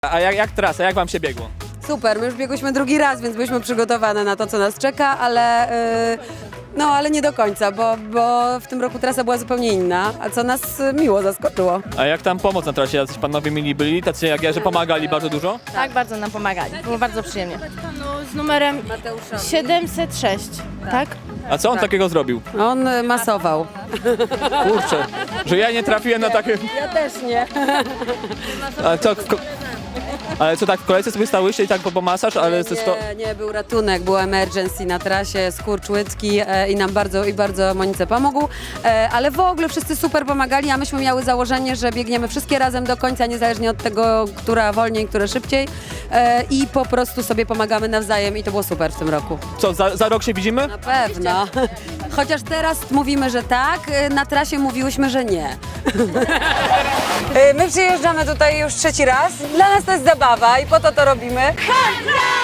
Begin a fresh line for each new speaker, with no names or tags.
A jak trasa, jak wam się biegło?
Super, my już biegłyśmy drugi raz, więc byliśmy przygotowane na to, co nas czeka, ale nie do końca, bo w tym roku trasa była zupełnie inna, a co nas miło zaskoczyło.
A jak tam pomoc na trasie? Jacyś panowie mili byli, tacy jak ja, że pomagali bardzo dużo?
Tak, bardzo nam pomagali. Było bardzo przyjemnie. Panu z numerem 706, tak?
A co on takiego zrobił?
On masował.
Kurczę, że ja nie trafiłem na takie...
Ja też nie.
Ale co, tak w kolejce sobie stałyście i tak po masaż, ale to...
Nie, był ratunek, był emergency na trasie, skurcz łydki i nam bardzo Monice pomógł, ale w ogóle wszyscy super pomagali, a myśmy miały założenie, że biegniemy wszystkie razem do końca, niezależnie od tego, która wolniej, która szybciej i po prostu sobie pomagamy nawzajem i to było super w tym roku.
Co, za rok się widzimy?
Na pewno. Chociaż teraz mówimy, że tak, na trasie mówiłyśmy, że nie. My przyjeżdżamy tutaj już trzeci raz. Dla nas to jest zabawa i po to robimy.